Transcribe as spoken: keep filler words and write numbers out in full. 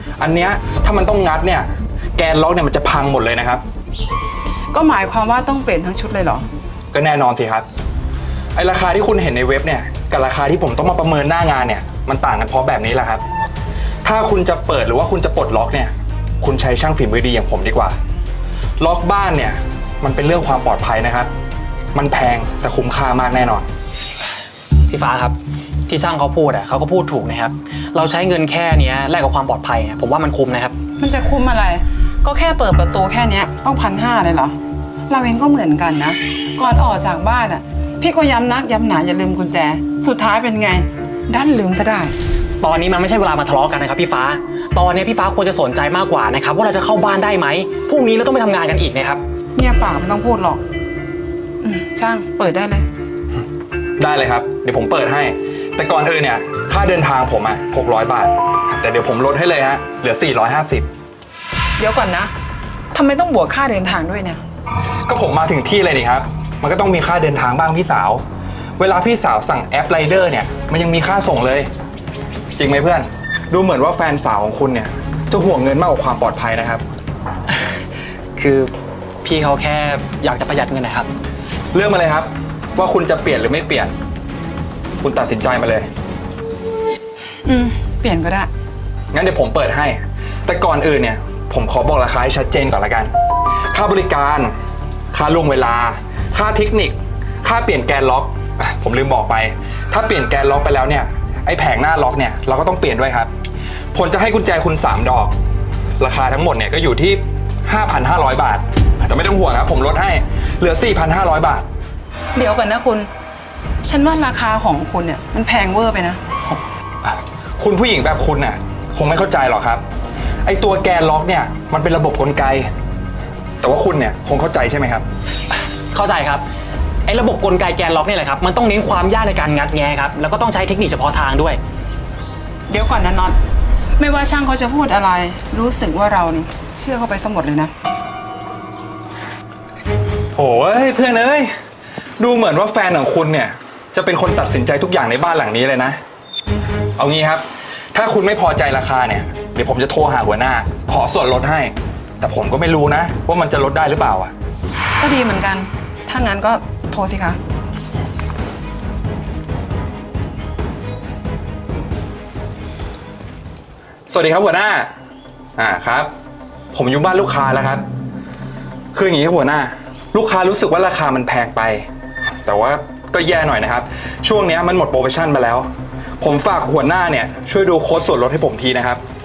อันเนี้ยถ้ามันต้องงัดเนี่ยแกนล็อกเนี่ยมันจะพังหมดเลยนะครับก็หมายความว่าต้องเปลี่ยนทั้งชุดเลยเหรอก็แน่นอนสิครับไอราคาที่คุณเห็นในเว็บเนี่ยกับราคาที่ผมต้องมาประเมินหน้างานเนี่ยมันต่างกันเพราะแบบนี้แหละครับถ้าคุณจะเปิดหรือว่าคุณจะปลดล็อกเนี่ยคุณใช้ช่างฝีมือดีอย่างผมดีกว่าล็อกบ้านเนี่ยมันเป็นเรื่องความปลอดภัยนะครับมันแพงแต่คุ้มค่ามากแน่นอนพี่ฟ้าครับที่ช่างเขาพูดอ่ะเขาก็พูดถูกนะครับเราใช้เงินแค่นี้แลกกับความปลอดภัยผมว่ามันคุ้มนะครับมันจะคุ้มอะไรก็แค่เปิดประตูแค่นี้ต้องพันห้าเลยเหรอเราเองก็เหมือนกันนะก่อนออกจากบ้านอ่ะพี่ก็ย้ำนักย้ำหนาอย่าลืมกุญแจสุดท้ายเป็นไงดันลืมซะได้ตอนนี้มันไม่ใช่เวลามาทะเลาะกันนะครับพี่ฟ้าตอนนี้พี่ฟ้าควรจะสนใจมากกว่านะครับว่าเราจะเข้าบ้านได้ไหมพรุ่งนี้เราต้องไปทำงานกันอีกนะครับเนี่ยปากไม่ต้องพูดหรอกอืมช่างเปิดได้เลยได้เลยครับเดี๋ยวผมเปิดให้แต่ก่อนอื่นเนี่ยค่าเดินทางผมอ่ะหกร้อยบาทแต่เดี๋ยวผมลดให้เลยฮะเหลือสี่ร้อยห้าสิบเดี๋ยวก่อนนะทำไมต้องบวกค่าเดินทางด้วยเนี่ยก็ผมมาถึงที่เลยนี่ครับมันก็ต้องมีค่าเดินทางบ้างพี่สาวเวลาพี่สาวสั่งแอปไรเดอร์เนี่ยมันยังมีค่าส่งเลยจริงไหมเพื่อนดูเหมือนว่าแฟนสาวของคุณเนี่ยจะห่วงเงินมากกว่าความปลอดภัยนะครับคือพี่เขาแค่อยากจะประหยัดเงินนะครับเรื่องมาเลยครับว่าคุณจะเปลี่ยนหรือไม่เปลี่ยนคุณตัดสินใจมาเลยอืมเปลี่ยนก็ได้งั้นเดี๋ยวผมเปิดให้แต่ก่อนอื่นเนี่ยผมขอบอกราคาให้ชัดเจนก่อนละกันค่าบริการค่าล่วงเวลาค่าเทคนิคค่าเปลี่ยนแกนล็อกผมลืมบอกไปถ้าเปลี่ยนแกนล็อกไปแล้วเนี่ยไอ้แผงหน้าล็อกเนี่ยเราก็ต้องเปลี่ยนด้วยครับผมจะให้กุญแจคุณสามดอกราคาทั้งหมดเนี่ยก็อยู่ที่ ห้าพันห้าร้อย บาทแต่ไม่ต้องห่วงครับผมลดให้เหลือ สี่พันห้าร้อย บาทเดี๋ยวก่อนนะคุณฉันว่าราคาของคุณเนี่ยมันแพงเวอร์ไปนะคุณผู้หญิงแบบคุณน่ะคงไม่เข้าใจหรอกครับไอตัวแกนล็อกเนี่ยมันเป็นระบบกลไกแต่ว่าคุณเนี่ยคงเข้าใจใช่ไหมครับเข้าใจครับไอ้ระบบกลไกแกนล็อกนี่แหละครับมันต้องเน้นความยากในการงัดแงะครับแล้วก็ต้องใช้เทคนิคเฉพาะทางด้วยเดี๋ยวก่อนนะน็อตไม่ว่าช่างเขาจะพูดอะไรรู้สึกว่าเรานี่เชื่อเขาไปซะหมดเลยนะโอ้ยเพื่อนเอ้ยดูเหมือนว่าแฟนของคุณเนี่ยจะเป็นคนตัดสินใจทุกอย่างในบ้านหลังนี้เลยนะเอางี้ครับถ้าคุณไม่พอใจราคาเนี่ยเดี๋ยวผมจะโทรหาหัวหน้าขอส่วนลดให้แต่ผมก็ไม่รู้นะว่ามันจะลดได้หรือเปล่าอ่ะก็ดีเหมือนกันถ้างั้นก็โทรสิคะสวัสดีครับหัวหน้าอ่าครับผมอยู่บ้านลูกค้าแล้วครับคืออย่างนี้ครับหัวหน้าลูกค้ารู้สึกว่าราคามันแพงไปแต่ว่าก็แย่หน่อยนะครับช่วงนี้มันหมดโปรโมชั่นมาแล้วผมฝากหัวหน้าเนี่ยช่วยดูโค้ดส่วนลดให้ผมทีนะครับ